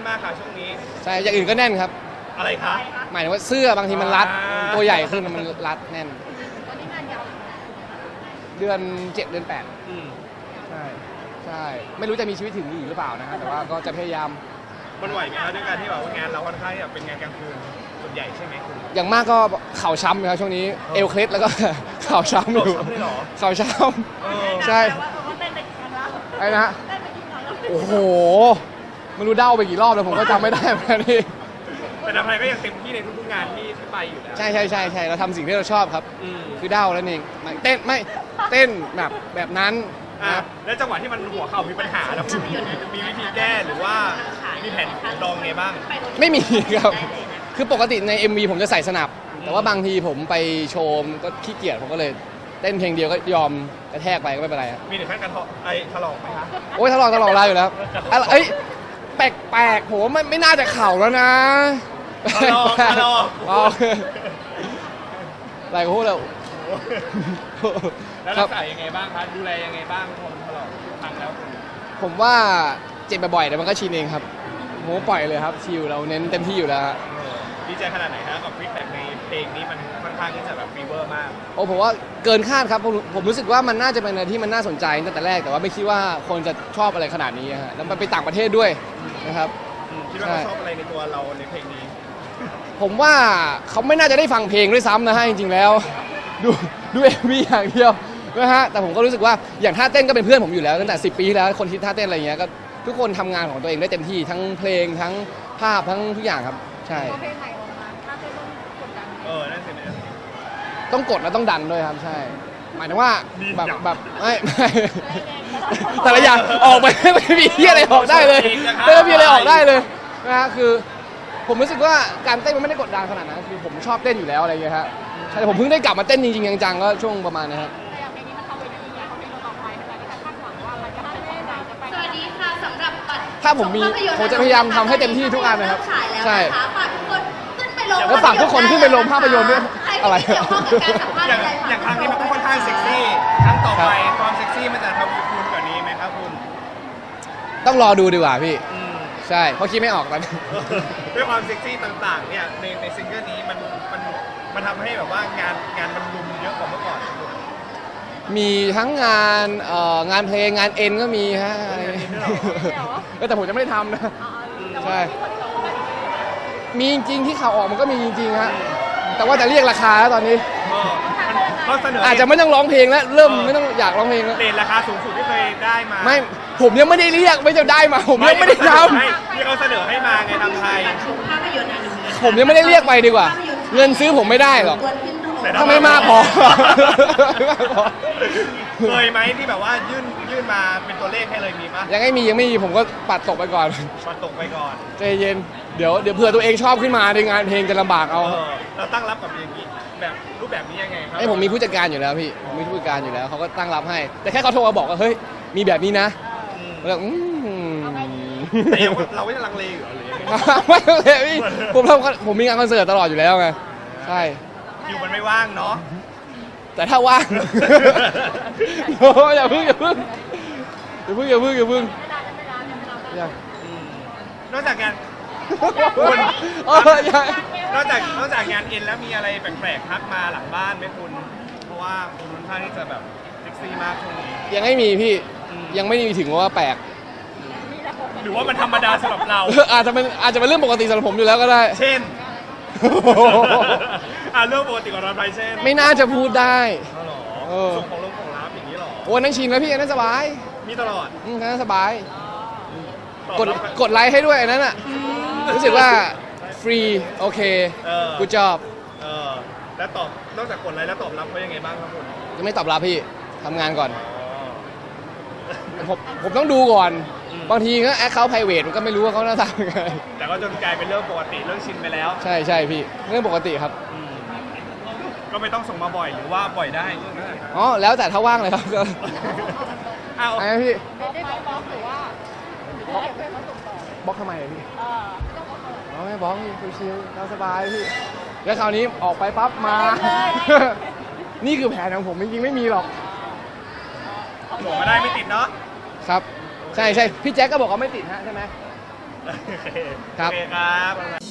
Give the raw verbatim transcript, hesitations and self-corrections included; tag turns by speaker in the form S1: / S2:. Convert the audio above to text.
S1: มากค่ะช่วงนี้
S2: ใช่อย่างอื่นก็แน่นครับ
S1: อะไรคะ
S2: หมายถึงว่าเสื้อบางทีมันรัดตัวใหญ่ขึ้นมันรัดแน่น
S3: ตอนนี้งานยาว
S2: เดือนเจ็ดเดือนแปด
S1: อืม
S2: ใช่ใช่ไม่รู้จะมีชีวิตถึงอีกหรือเปล่านะฮะแต่ว่าก็จะพยายาม
S1: มันไหวไหมครับด้วยการที่แบบว่างานเราค่อนข้างที่จะเป็นงานกลางคืนส่วนใหญ่ใช่ไหมคุณ
S2: อย่างมากก็เข่าช้ำนะครับช่วงนี้เอวเคล็ดแล้วก็เข่าช้ำอยู่เข่าช้ำใช่ไอ้นะโอ้โหไม่รู้เด้าไปกี่รอบแล้วผมก็จำไม่ได้เหมือนกันนี่
S1: แต่ทำไมก็ยังเต็มที่ในทุกๆงานที่ที่ไปอยู่แล้ว
S2: ใช่ใช่ใช่ใช่เราทำสิ่งที่เราชอบครับคือเด้าแล้วนี่เต้นไม่เต้นแบบแบบนั้น
S1: นะแล้วจังหวะที่มันหัวเข่ามีปัญหาแล้วคุณมีวิธีแก้หรือว่ามีแผนรองไงบ้าง
S2: ไม่มีครับคือปกติใน เอ็ม วี ผมจะใส่สนับแต่ว่าบางทีผมไปโชว์ก็ขี้เกียจผมก็เลยเต้นเพลงเดียวก็ยอมกระแทกไปก็ไม่เป็นไร
S1: มีถึงขั้นการไอ้ถลอกไหมคะ
S2: โอ้ยถลอกถลอกลายอยู่แล้วเอ้ยแปลกๆผมไม่ไม่น่าจะเข่าแล้วนะ
S1: ถลอกถลอก
S2: อะไรก็พูดแล้ว
S1: แล้วรักษายังไงบ้างคะดูแลยังไงบ้างพอมันถลอกพังแล้ว
S2: ผมว่าเจ็บบ่อยๆแต่มันก็ชินเองครับโหปล่อยเลยครับชิลเราเน้นเต็มที่อยู่แล้ว
S1: ดีใจขนาดไหนฮะกับฟีดแบ็กในเพลงนี้มันค่อนข้างที่จะแบบฟีเวอร์มาก
S2: โอ้ผมว่าเกินคาดครับผมผมรู้สึกว่ามันน่าจะเป็นอะไรที่มันน่าสนใจตั้งแต่แรกแต่ว่าไม่คิดว่าคนจะชอบอะไรขนาดนี้ฮะแล้วมันไปต่างประเทศด้วยนะครับ
S1: คิดว่าเขาชอบอะไรในตัวเราในเพลงนี้
S2: ผมว่าเขาไม่น่าจะได้ฟังเพลงด้วยซ้ำนะฮะจริงๆแล้วดูดูเอ็มวีอย่างเดียวนะฮะแต่ผมก็รู้สึกว่าอย่างท่าเต้นก็เป็นเพื่อนผมอยู่แล้วตั้งแต่สิบปีที่แล้วคนคิดท่าเต้นอะไรเงี้ยก็ทุกคนทำงานของตัวเองได้เต็มที่ทั้งเพลงทั้งภาพทั้งทุกอย่างครับใช่
S3: เพลงใหม่ออกมาถ้าเต้นต้องกดดัน
S1: เออนั่นสิเนี่ย
S2: ต้องกดแล้วต้องดันด้วยครับใช่หมายถึงว่าแบบแบบไม่ไม่แต่ละอย่างออกไปไม่มีที่อะไรออกได้เลยไม่มีอะไรออกได้เลยนะฮะคือผมรู้สึกว่าการเต้นมันไม่ได้กดดันขนาดนั้นคือผมชอบเต้นอยู่แล้วอะไรเงี้ยฮะแต่ผมเพิ่งได้กลับมาเต้นจริงๆจังๆก็ช่วงประมาณนี้ครับ
S3: สวัสดีค่ะสำหรับบัตร
S2: ถ้าผมมีผมจะพยายามทำให้เต็มที่ทุกอันนะครับใช่
S3: ฝากทุกคนขึ้นไปลง
S2: แล้วฝากทุกคนขึ้นไปลงภาพยนตร์ด้วยอะไร
S1: อย่างอย่างครั้งนี้มันก็ค่อนข้างเซ็กซี่ครั้งต่อไปความเซ็กซี่มันจะทำคุณกว่านี้ไหมครับคุณ
S2: ต้องรอดูดีกว่าพี่ใช่เพราะคิดไม่ออกตอนนี้
S1: ด้วยความเซ็กซี่ต่างๆเนี่ยในในซิงเกิลนี้มันมันมันทำให้แบบว่างานงานมันรุมเยอะกว่าเมื่อก่อน
S2: มีทั้งงานเอ่องานเพลงงานเอ็นก็มีฮะอะไรแต่ผมจะไม่ได้ทำนะใช่มีจริงที่ข่าวออกมันก็มีจริงๆฮะแต่ว่าจะเรียกราคาแล้วตอนนี้อาจจะไม่ต้องร้องเพลงแล้วเริ่มไม่ต้องอยากร้องเพลงแล้ว
S1: เรทราคาสูงสุดที่เคยได้มา
S2: ไม่ผมยังไม่ได้เรียกไม่จะได้มาผมยังไม่ได้ท
S1: ำที่เขาเสนอให้มาไงทำไทย
S2: ผมยังไม่ได้เรียกไปดีกว่าเงินซื้อผมไม่ได้หรอกถ้าไม่มากพอ
S1: เคยไหมที่แบบว่ายื่นยื่นมาเป็นตัวเลขให้เลยมีปะ
S2: ยังไม่มียังไม่มีผมก็ปัดตกไปก่อน
S1: ปัดตกไปก่อน
S2: ใจเย็นเดี๋ยวเดี๋ยวเผื่อตัวเองชอบขึ้นมาในงานเพลงจะลำบากเอา
S1: เราตั้งรับกับอย่างนี้แบบรูปแบบนี้ยังไงครับ
S2: ไอ้ผมมีผู้จัดการอยู่แล้วพี่มีผู้จัดการอยู่แล้วเขาก็ตั้งรับให้แต่แค่เขาโทรมาบอกว่าเฮ้ยมีแบบนี้นะแล้วอืม
S1: แต่เราไม่ลังเลอยู่หรือ
S2: ไม่ลังเลพี่ผมทำผมมีงานคอนเสิร์ตตลอดอยู่แล้วไงใช่
S1: อยู่มันไม่ว่างเนาะ
S2: แต่ถ้าว่างโอ้อย่าพึ่งอย่าพึ่งอย่าพึ่งอย่าพึ่งอย่าพึ่ง
S1: นอกจากงานนอกจากนอกจากงานเอ็นแล้วมีอะไรแปลกๆทักมาหลังบ้านไหมคุณเพราะว่าคุณค่อนข้างที่จะแบบเซ็กซี่มากช่วงนี้
S2: ยังไม่มีพี่ยังไม่มีถึงว่าแปลก
S1: หรือว่ามันธรรมดาสำหรับเรา
S2: อาจจะเป็นอาจจะเป็นเรื่องปกติสำหรับผมอยู่แล้วก็ได้
S1: เช่นอ่าเรื่องปกติของเราไปเช่น
S2: ไม่น่าจะพูดได้
S1: ส่งของลงของรับอย่างนี้หรอ
S2: โอ้นั่งชินแล้วพี่นั่นสบาย
S1: มีตลอด
S2: อืมนั่นสบายกดกดไลค์ให้ด้วยนั่นน่ะรู้สึกว่าฟรีโอเคกูจอบ
S1: เออแล้วตอบนอกจากกดไลค์แล้วตอบรับเขายังไงบ้างครับคุณ
S2: ยังไม่ตอบรับพี่ทำงานก่อนผมผมต้องดูก่อนบางทีก็แอคเคาท์ไพรเวทมันก็ไม่รู้ว่าเขาหน้าตาเป็นไง
S1: แต่ก็จนกลายเป็นเรื่องปกติเรื่องชินไปแล้ว
S2: ใช่ใช่พี่เรื่องปกติครับ
S1: ก็ไม่ต้องส่งมาบ่อยหรือว่าบ่อยได้
S2: อ๋อแล้วแต่ถ้าว่างเลยครับก็
S1: เอา
S2: ไอ้พี่
S3: ได้บล็อกหรือว่าบล็อกเพื่อนเขาส่งต่อบ
S2: ล็อกทำไมพี่อ๋อไม่บล็อกพี่ชิลๆสบายพี่แล้วคราวนี้ออกไปปั๊บมานี่คือแผนของผมจริงๆไม่มีหรอก
S1: ส่งมาได้ไม่ติดเนาะ
S2: ครับใช่ใช่พี่แจ็คก็บอกว่าไม่ติดฮะใช่ไหม
S1: โอเค
S2: ครับ
S1: โอเคครับ